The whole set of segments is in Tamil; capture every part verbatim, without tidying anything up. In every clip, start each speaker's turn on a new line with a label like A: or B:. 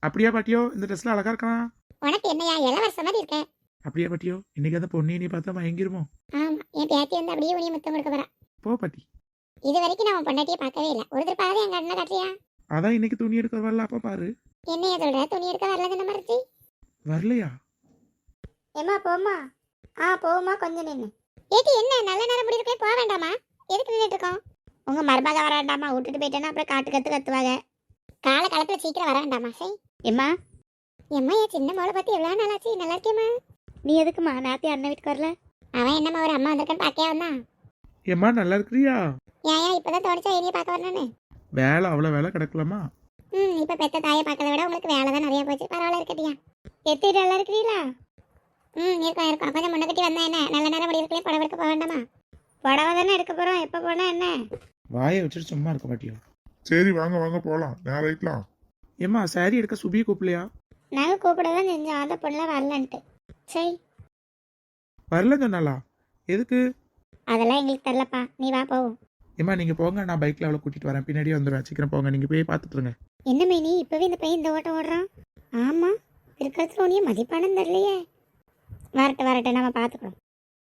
A: அப்படியா பாட்டியோ? இந்த ட்ரெஸ்ல அழகா இருக்கான்.
B: உனக்கு என்னையா இளவரச மாதிரி இருக்க?
A: அப்படியா பாட்டியோ? இன்னைக்கு அந்த பொண்ணு நீ பார்த்தா மயங்கிருமோ?
B: ஆமா, என் பேத்தி வந்து அப்படியே உனிய முத்தம் கொடுக்க வரா.
A: போ பாட்டி.
B: இது வரைக்கும் நான் உன் பொண்டாட்டியை பார்க்கவே இல்லை. ஒரு திருப்பாவது என் கண்ணை காட்டுறியா?
A: அதான் இன்னைக்கு துணி எடுக்க வரல, அப்ப பாரு.
B: என்னைய சொல்ற? துணி எடுக்க வரலன்னு மறைச்சி
A: வரலையா?
B: ஏமா போமா. ஆ போமா, கொஞ்சம் நின்று. ஏத்தி என்ன நல்ல நேரம் முடி இருக்கே, போக வேண்டாமா? எதுக்கு நின்றுட்டு இருக்கோம்? உங்க மருமக வர வேண்டாமா? விட்டுட்டு போயிட்டேன்னா அப்புறம் காட்டு கத்து கத்துவாங்க. கால காலத்துல சீக்கிரம் வர வேண்டாமா? சரி எம்மா. எம்மா, என் சின்ன மோளை பத்தி எவ்வளவு நாளாச்சு? நல்லா இருக்கேம்மா. நீ எதுக்குமா நேரத்தை அண்ணன் வீட்டுக்கு வரல? அவன் என்னம்மா ஒரு அம்மா வந்திருக்கேன்னு பார்க்கவே வந்தான்.
A: ஏம்மா நல்லா இருக்கிறியா?
B: ஏன் ஏன் இப்பதான் தோணிச்சா ஏரியை பார்க்க வரணும்னு?
A: வேலை அவ்வளவு வேலை கிடக்கலாமா?
B: ம் இப்போ பெத்த தாயை பார்க்கறத விட உங்களுக்கு வேலை தான் நிறைய போச்சு. பரவாயில்ல இருக்கட்டியா? எத்திட்டு நல்லா இருக்கிறீங்களா? ம் இருக்கோம் இருக்கோம். கொஞ்சம் முன்ன கட்டி வந்தா என்ன? நல்ல நேரம் முடி இருக்கலையே, புடவை எடுக்க போக வேண்டாமா? புடவை தானே எடுக்க போகிறோம். எப்போ போனால் என்ன?
A: வாயை வச்சுட்டு சும்மா இருக்க பாட்டியோ?
C: சரி வாங்க வாங்க போலாம், நேரம் ஆயிக்கலாம்.
A: ஏம்மா சாரி எடுக்க சுபியை கூப்பிடலையா?
B: நாங்கள் கூப்பிட தான் செஞ்சோம், அந்த பொண்ணுலாம் வரலன்ட்டு. சரி
A: வரல சொன்னாலா? எதுக்கு?
B: அதெல்லாம் எங்களுக்கு தெரிலப்பா, நீ வா போவோம்.
A: ஏம்மா நீங்க போங்க, நான் பைக்ல அவளை கூட்டிட்டு வரேன், பின்னாடியே வந்துடுவேன். சீக்கிரம் போங்க, நீங்க போய் பார்த்துட்டு இருங்க.
B: என்ன மைனி இப்போவே இந்த பையன் இந்த ஓட்டம் ஓடுறான்? ஆமாம், இருக்கிறதுல உனியும் மதிப்பானு தெரியலையே. வரட்டும் வரட்டும், நம்ம பார்த்துக்கிறோம்.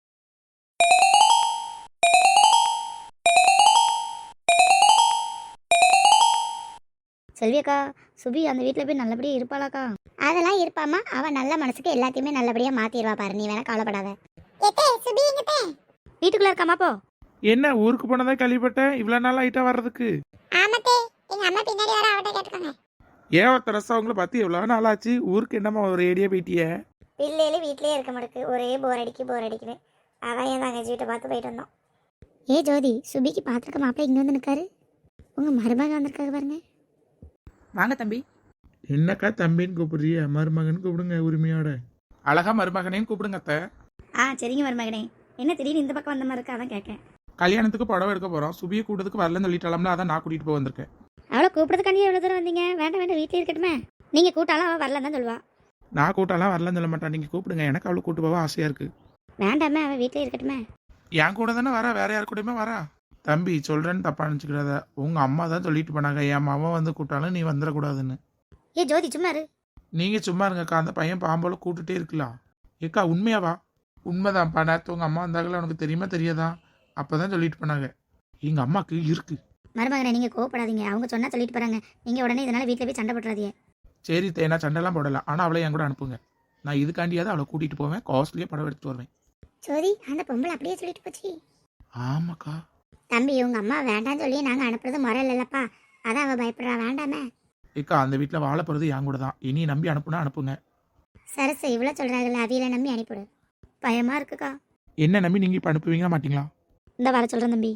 B: செல்வியக்கா, சுபி அந்த வீட்டில் போய் நல்லபடியாக இருப்பாளாக்கா? அதெல்லாம் இருப்பாமா, அவன் நல்ல மனசுக்கு எல்லாத்தையுமே நல்லபடியாக மாற்றிடுவா பாரு, நீ வேணா கவலைப்படாத. வீட்டுக்குள்ள இருக்காமா போ.
A: என்ன ஊருக்கு போனதா கேள்விப்பட்டேன், இவ்வளவு நாள் ஆயிட்டா வர்றதுக்கு?
B: ஆமாத்தே, எங்க அம்மா பின்னாடி வர, அவட்ட கேட்டுக்கோங்க.
A: ஏன் ஒருத்தர் ரசம் அவங்கள பார்த்து எவ்வளவு நாள் ஆச்சு? ஊருக்கு என்னம்மா ஒரு ஏடியா போயிட்டிய?
B: பிள்ளையில வீட்லயே இருக்க மாட்டேக்கு, ஒரே போர் அடிக்கி போர் அடிக்குது. அதான் என் தங்கச்சி வீட்டை பார்த்து போயிட்டு வந்தோம். ஏ ஜோதி, சுபிக்கு பார்த்துருக்க மாப்பிள்ள இங்கே வந்து நிற்காரு. உங்கள் மருமகன் வந்திருக்காரு பாருங்க.
D: வாங்க தம்பி.
A: என்னக்கா தம்பின்னு கூப்பிடுறிய? மருமகன் கூப்பிடுங்க உரிமையோட. அழகா மருமகனேன்னு கூப்பிடுங்க அத்தை.
D: ஆ சரிங்க மருமகனே. என்ன திடீர்னு இந்த பக்கம் வந்த மாதிரி இருக்கா, அதான் கேட்கேன்.
A: கல்யாணத்துக்கு புடவை எடுக்க போறோம், சுபியை கூட்டத்துக்கு வரலன்னு சொல்லிட்டாலும்ல, அதான் நான் கூட்டிட்டு போய் வந்திருக்கேன்.
D: அவளை கூப்பிடுறதுக்காண்டி எவ்வளோ தூரம் வந்தீங்க? வேண்டாம் வேண்டாம், வீட்டிலே இருக்கட்டுமே. நீங்கள் கூட்டாலும் அவள் வரலன்னு தான் சொல்லுவா.
A: நான் கூட்டாலாம் வரலன்னு சொல்ல மாட்டான், நீங்க கூப்பிடுங்க, எனக்கு அவளை கூட்டு போக ஆசையா இருக்கு.
D: வேண்டாமே, அவள் வீட்டிலே இருக்கட்டுமே.
A: என் கூட தானே வரா, வேற யார் கூடயுமே வரா. தம்பி சொல்றேன்னு தப்பா நினச்சிக்கிறத, உங்க அம்மா தான் சொல்லிட்டு போனாங்க, என் மாமா வந்து கூட்டாலும் நீ வந்துடக்கூடாதுன்னு.
D: ஏ ஜோதி சும்மா இரு.
A: நீங்க சும்மா இருங்கக்கா, அந்த பையன் பாம்போல கூட்டுட்டே இருக்கலாம். ஏக்கா உண்மையாவா? உண்மைதான்ப்பா, நேற்று உங்க அம்மா வந்தாங்களா, உனக்கு தெரியுமா தெரியாதா? அப்பதான் சொல்லிட்டு போனாங்க. எங்க அம்மாக்கு இருக்கு.
D: மருமகனை நீங்கள் கோவப்படாதீங்க, அவங்க சொன்னால் சொல்லிட்டு போகிறாங்க. நீங்கள் உடனே இதனால் வீட்டில் போய் சண்டை போட்டுறாதீங்க.
A: சரி தேனா, சண்டைலாம் போடலாம், ஆனால் அவளை என் கூட அனுப்புங்க. நான் இதுக்காண்டியாவது அவளை கூட்டிட்டு போவேன், காஸ்ட்லியாக படம் எடுத்துட்டு வருவேன்.
B: ஜோதி, அந்த பொம்பளை அப்படியே சொல்லிட்டு போச்சு.
A: ஆமாக்கா.
B: தம்பி, உங்க அம்மா வேண்டாம்னு சொல்லி நாங்கள் அனுப்புறது முறை இல்லைல்லப்பா, அதான் அவள் பயப்படுறா. வேண்டாமே.
A: ஏக்கா அந்த வீட்டில் வாழ போகிறது என் கூட தான், இனி நம்பி அனுப்புனா அனுப்புங்க.
B: சரசு இவ்வளோ சொல்கிறாங்கல்ல, அவியில நம்பி அனுப்பிவிடு.
D: பயமாக இருக்குக்கா.
A: என்ன நம்பி நீங்கள் இப்போ அனுப்புவீங்களா மாட்டீங்களா?
D: இந்த வர சொல்கிறேன் தம்பி.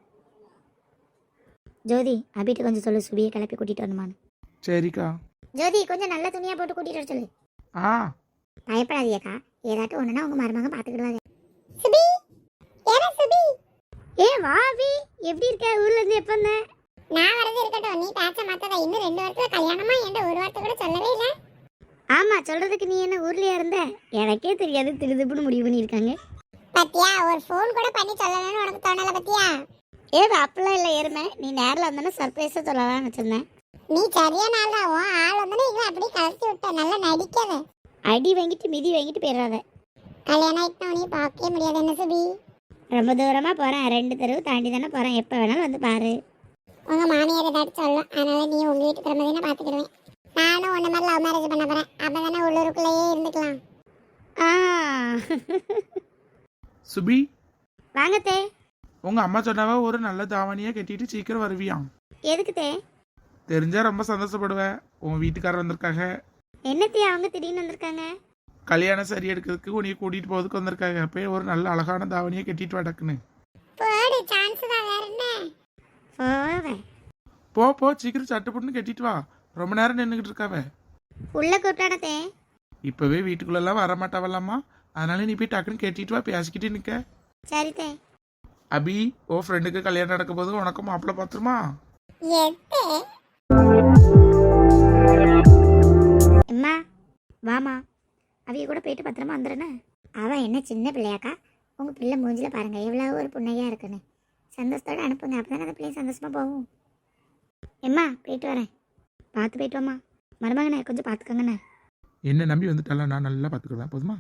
D: ஜோதி, அபிட்டு கொஞ்சம் சொல்லு, சுபியை கிளப்பி கூட்டிகிட்டு வரணுமான்னு.
A: சரிக்கா.
B: ஜோதி, கொஞ்சம் நல்ல துணியாக போட்டு கூட்டிகிட்டு வர சொல்லு.
A: ஆ
B: பயப்படாதீக்கா, ஏதாட்டும் ஒன்றுனா உங்கள் மருமகன் பார்த்துக்கிடுவாங்க. சுபி, ஏற சுபி. ஏ வா அபி, எப்படி இருக்க? ஊர்ல இருந்து எப்போ வந்த? நான் வரது இருக்கட்டும், நீ பேச்ச மாத்ததா. இன்னும் ரெண்டு வருஷத்துல கல்யாணமா? என்கிட்ட ஒரு வார்த்தை கூட சொல்லவே இல்லை. ஆமா, சொல்றதுக்கு நீ என்ன ஊர்லயா இருந்த? எனக்கே தெரியாது, திருதுப்புன்னு முடிவு பண்ணியிருக்காங்க. பத்தியா, ஒரு ஃபோன் கூட பண்ணி சொல்லணும்னு உனக்கு தோணல பத்தியா? ஏ அப்பெல்லாம் இல்லை எருமை, நீ நேரில் வந்தோன்னா சர்ப்ரைஸாக சொல்லலாம்னு வச்சிருந்தேன். நீ சரியான ஆள் தான், உன் ஆள் வந்தோன்னா இவன் அப்படியே கலத்தி விட்ட. நல்லா நடிக்காத. அடி வாங்கிட்டு மிதி வாங்கிட்டு போயிடாத. கல்யாணம் ஆகிட்டு உனையும் பார்க்கவே முடியாது. என்ன சுபி, ரொம்ப தூரமாக போகிறேன், ரெண்டு தெருவு தாண்டி தானே போகிறேன், எப்போ வேணாலும் வந்து பாரு. உங்கள் மாமியார் ஏதாச்சும் சொல்லும், அதனால நீ உங்கள் வீட்டு பிரமதினா பார்த்துக்கிடுவேன். நானும் உன்ன மாதிரி லவ் மேரேஜ் பண்ண போகிறேன், அப்போ தானே உள்ளூருக்குள்ளேயே இருந்துக்கலாம். ஆ
A: சுபி,
B: வாங்கத்தே.
A: உங்க அம்மா சொன்னாவா ஒரு நல்ல தாவணியா கட்டிட்டு சீக்கிரம் வருவியாம்.
B: எதுக்குத்தே?
A: தெரிஞ்சா ரொம்ப சந்தோஷப்படுவேன். உன் வீட்டுக்காரர் வந்திருக்காங்க.
B: என்னத்தே அவங்க திடீர்னு வந்திருக்காங்க?
A: கல்யாணம் சரி எடுக்கிறதுக்கு உன்னைய கூட்டிட்டு போறதுக்கு வந்திருக்காங்க. போய் ஒரு நல்ல அழகான தாவணியை கட்டிட்டு வடக்குன்னு
B: போடு, சான்ஸ் தான், வேற என்ன? போவேன்.
A: போ போ, சீக்கிரம் சட்டு புட்டுன்னு கட்டிட்டு வா, ரொம்ப நேரம் நின்றுக்கிட்டு இருக்காவ.
B: உள்ள கூப்பிட்டானத்தே.
A: இப்பவே வீட்டுக்குள்ளெல்லாம் வரமாட்டாவல்லாமா, அதனால நீ போய் டக்குன்னு கட்டிட்டு வா, பேசிக்கிட்டு நிக்க.
B: சரித்தே.
A: அபி, ஓ ஃப்ரெண்டுக்கு கல்யாணம் நடக்கும் போது உனக்கு மாப்பிள்ள பாத்துருமா?
B: அம்மா வாமா, அவைய கூட போயிட்டு பத்திரமா வந்துடுறேன்னு. அவன் என்ன சின்ன பிள்ளையாக்கா? உங்கள் பிள்ளை மூஞ்சில பாருங்க எவ்வளோ ஒரு புண்ணையாக இருக்குன்னு. சந்தோஷத்தோடு அனுப்புங்க, அப்போ தானே அந்த பிள்ளைங்க சந்தோஷமாக போகும். எம்மா போயிட்டு வரேன், பார்த்து போயிட்டு வாம்மா.
D: மருமகனே கொஞ்சம் பார்த்துக்கோங்கண்ணே.
A: என்ன நம்பி வந்துட்டால நான் நல்லா பார்த்துக்கிறேன் போதுமா?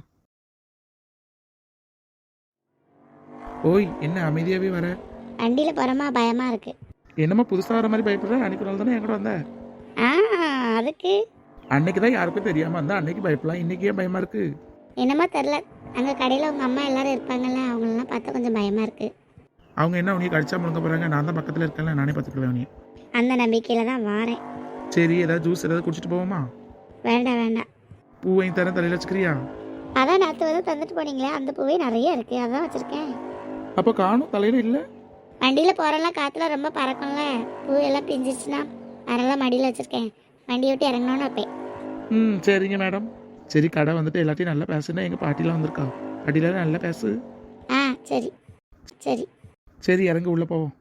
A: ஓய் என்ன அமைதியாகவே வர?
D: வண்டியில் போகிறோமா பயமாக இருக்கு.
A: என்னம்மா புதுசாக வர மாதிரி பயப்படுற? அன்னைக்கு நாள் தானே என் கூட வந்த.
D: ஆ அதுக்கு
A: அன்னைக்கு தான் யாருக்கும் தெரியாமல் இருந்தா அன்னைக்கு பயப்படலாம், இன்னைக்கு ஏன் பயமாக இருக்கு?
D: என்னமோ தெரில, அங்கே கடையில் உங்கள் அம்மா எல்லாரும் இருப்பாங்கல்ல, அவங்களெல்லாம் பார்த்தா கொஞ்சம் பயமாக இருக்குது.
A: அவங்க என்ன உனியை கடிச்சா முழுங்க போகிறாங்க? நான் தான் பக்கத்தில் இருக்கேன்ல, நானே பார்த்துக்கலாம் உனியை.
D: அந்த நம்பிக்கையில் தான் வாரேன்.
A: சரி ஏதாவது ஜூஸ் ஏதாவது குடிச்சிட்டு போவோமா?
D: வேண்டாம் வேண்டாம்.
A: பூ வாங்கி தரேன், தலையில் வச்சுக்கிறியா?
D: அதான் நேற்று வந்து தந்துட்டு போனீங்களே அந்த பூவே நிறைய இருக்குது, அதான் வச்சுருக்கேன்.
A: அப்போ காணும் தலையில் இல்லை.
D: வண்டியில் போகிறலாம் காற்றுல ரொம்ப பறக்கும்ல, பூ எல்லாம் பிஞ்சிச்சுன்னா அதெல்லாம் மடியில் வச்சுருக்கேன். வண்டியை விட்டு இறங்கணுன்னு வைப்பேன்.
A: ம் சரிங்க மேடம். சரி கடை வந்துட்டு எல்லாத்தையும் நல்லா பேசுனா, எங்கள் பாட்டிலாம் வந்திருக்கா, பாட்டிலாம் நல்லா பேசு.
D: ஆ சரி சரி.
A: சரி இறங்க உள்ளே போவோம்.